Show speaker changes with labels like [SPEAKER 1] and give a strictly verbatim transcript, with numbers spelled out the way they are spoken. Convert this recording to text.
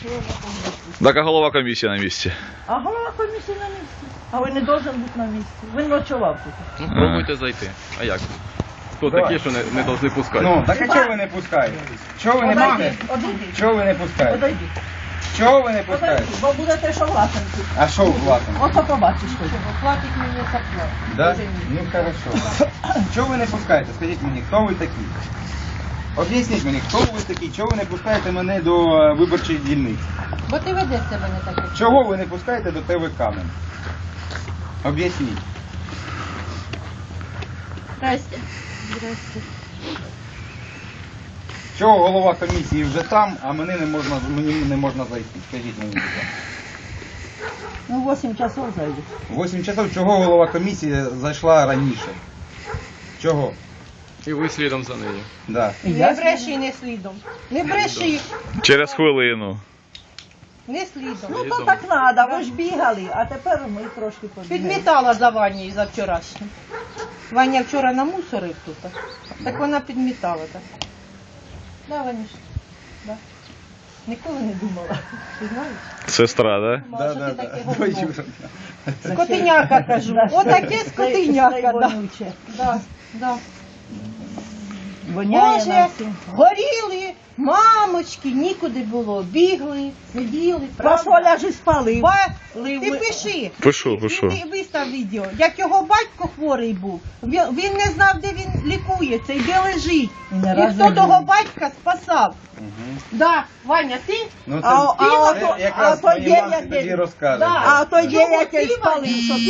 [SPEAKER 1] Так, а голова комісії на місці.
[SPEAKER 2] А голова комісії на місці. А ви не должен бути на місці. Він ночував тут.
[SPEAKER 3] Ну, спробуйте зайти. А як? Хто
[SPEAKER 4] Давай.
[SPEAKER 3] такі, що не, не повинні пускати?
[SPEAKER 4] Ну, так а чого ви не пускаєте? Чого ви не
[SPEAKER 2] Одойди,
[SPEAKER 4] маєте?
[SPEAKER 2] одойди.
[SPEAKER 4] Чого ви не пускаєте?
[SPEAKER 2] Подойди.
[SPEAKER 4] Чого ви не пускаєте?
[SPEAKER 2] Подойди, бо будете що власенці.
[SPEAKER 4] А що платимо?
[SPEAKER 2] Ото побачиш тоді.
[SPEAKER 5] Платить мені зарплату.
[SPEAKER 4] Да? Ну хорошо. Чого ви не пускаєте? Скажіть мені, хто ви такі? Об'ясніть мені, хто ви такі? Чого ви не пускаєте мене до е, виборчої дільниці?
[SPEAKER 5] Бо ти ведеш себе не так, як
[SPEAKER 4] Чого ви не пускаєте до ТВК мене? Об'ясніть.
[SPEAKER 5] Здрасте. Здрасте.
[SPEAKER 4] Чого голова комісії вже там, а мене не можна, мені не можна зайти? Скажіть мені, будь ласка.
[SPEAKER 2] Ну, вісім часов зайде.
[SPEAKER 4] Восім часов, чого голова комісії зайшла раніше? Чого?
[SPEAKER 3] І ви слідом за нею.
[SPEAKER 4] Да.
[SPEAKER 5] Не бреши, не слідом. Не бреши,
[SPEAKER 1] Через хвилину.
[SPEAKER 5] не слідом.
[SPEAKER 2] Ну, то так треба, ви ж бігали, а тепер ми трошки побігали.
[SPEAKER 5] Підмітала за Ванею за вчорашнім. Ваня вчора намусорив тут. Так вона підмітала так. Да, Ванюш? Да. Ніколи не думала. Ти знаєш?
[SPEAKER 1] Сестра, да?
[SPEAKER 5] Думала, що
[SPEAKER 4] Да,
[SPEAKER 5] ти
[SPEAKER 4] да,
[SPEAKER 5] таке
[SPEAKER 4] да.
[SPEAKER 5] говно.
[SPEAKER 4] Ой,
[SPEAKER 5] Скотиняка, кажу. Отаке скотиняка, да.
[SPEAKER 2] Вонюче.
[SPEAKER 5] Да, да.
[SPEAKER 2] Воняє
[SPEAKER 5] Боже,
[SPEAKER 2] на всім.
[SPEAKER 5] горіли, мамочки, нікуди було. Бігли, сиділи, правда?
[SPEAKER 2] Фасоля ж і спалив.
[SPEAKER 5] Ба...
[SPEAKER 2] Лив
[SPEAKER 5] Ти
[SPEAKER 2] ми-
[SPEAKER 5] пиши.
[SPEAKER 1] Пишу, пишу.
[SPEAKER 5] Він вистав відео, як його батько хворий був. Він, він не знав, де він лікується і де лежить.
[SPEAKER 2] І не
[SPEAKER 5] І
[SPEAKER 2] раз
[SPEAKER 5] хто
[SPEAKER 2] не
[SPEAKER 5] того
[SPEAKER 2] жив.
[SPEAKER 5] батька спасав.
[SPEAKER 4] Мгм.
[SPEAKER 5] Да, Ваня, ти?
[SPEAKER 4] Ну це,
[SPEAKER 2] А- а
[SPEAKER 4] це
[SPEAKER 2] ото-
[SPEAKER 4] якраз
[SPEAKER 2] а то
[SPEAKER 4] мої
[SPEAKER 2] є
[SPEAKER 4] мамці
[SPEAKER 2] як-
[SPEAKER 4] тоді розкаже.
[SPEAKER 5] Да.
[SPEAKER 2] А то є
[SPEAKER 5] Чого
[SPEAKER 2] якийсь
[SPEAKER 5] ти, Ваня?
[SPEAKER 2] спалив, що